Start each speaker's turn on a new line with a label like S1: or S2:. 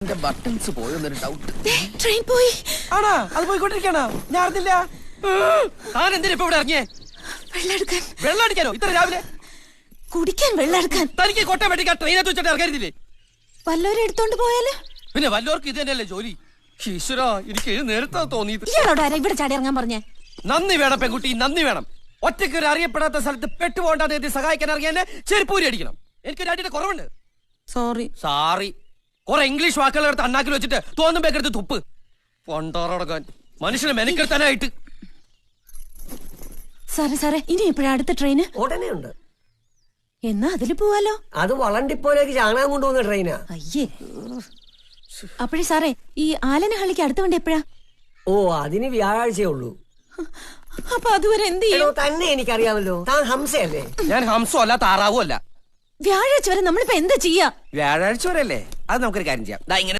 S1: Buttons പോയെന്നൊരു doubt.
S2: Train പോയി.
S3: ആണോ? അത് പോയിക്കൊണ്ടിരിക്കണോ? ഞാൻ അറിഞ്ഞില്ല.
S1: താൻ എന്തിനാ ഇപ്പൊ ഇവിടെ ഇറങ്ങിയേ?
S2: വെള്ളമെടുക്കാൻ.
S1: വെള്ളം അടിക്കാനോ ഇത്ര രാവിലെ?
S2: കുടിക്കാൻ വെള്ളമെടുക്കാൻ.
S1: തനിക്ക് കോട്ടയം വെട്ടിക്കാൻ ട്രെയിനകത്ത് വെച്ചിട്ട് ഇറങ്ങരുതില്ലേ?
S2: വല്ലവരും എടുത്തോണ്ട് പോയാല്?
S1: പിന്നെ വല്ലവർക്കും ഇത് തന്നെയല്ലേ ജോലി. ഈശ്വരാ, എനിക്ക് നേരത്തെ തോന്നിയത്.
S2: ഇയാളോട് ആരാ ഇവിടെ ചാടി ഇറങ്ങാൻ പറഞ്ഞേ?
S1: നന്ദി വേണം പെൺകുട്ടി, നന്ദി വേണം. ഒറ്റയ്ക്ക് ഒരു അറിയപ്പെടാത്ത സ്ഥലത്ത് പെട്ടുപോകണ്ടാതെ എത്തി സഹായിക്കാൻ ഇറങ്ങിയ ചെരുപ്പൂരി അടിക്കണം. എനിക്ക് രണ്ടിന്റെ കുറവുണ്ട്.
S2: സോറി.
S1: സാറി. കുറെ ഇംഗ്ലീഷ് വാക്കുകൾ എടുത്ത് അണ്ണാക്കിൽ വെച്ചിട്ട് തോന്നുമ്പോഴെടുത്ത് തുപ്പ്. പൊണ്ടോറടക്കാൻ മനുഷ്യനെ മെനക്കെടുത്താനായിട്ട്.
S2: സാറേ ഇനി എപ്പോഴാ അടുത്ത ട്രെയിന്?
S4: ഉടനെ ഉണ്ട്.
S2: എന്നാ അതില് പോവാലോ.
S4: അത് വളണ്ടിപ്പോലേക്ക് ചാണകം കൊണ്ടുപോകുന്ന ട്രെയിനാ.
S2: അയ്യേ. അപ്പോഴേ സാറേ, ഈ ആലനഹള്ളിക്ക് അടുത്ത വണ്ടി എപ്പോഴാ?
S4: ഓ, അതിന് വ്യാഴാഴ്ചയേ ഉള്ളൂ.
S2: അപ്പൊ അതുവരെ എന്ത് ചെയ്യും?
S4: തന്നെ എനിക്കറിയാമല്ലോ. താൻ ഹംസയല്ലേ?
S1: ഞാൻ ഹംസോ അല്ല താറാവോ അല്ല.
S2: വ്യാഴാഴ്ച വരെ നമ്മളിപ്പോ എന്താ ചെയ്യാ?
S1: വ്യാഴാഴ്ച വരെ അല്ലേ? അത് നമുക്കൊരു കാര്യം ചെയ്യാം.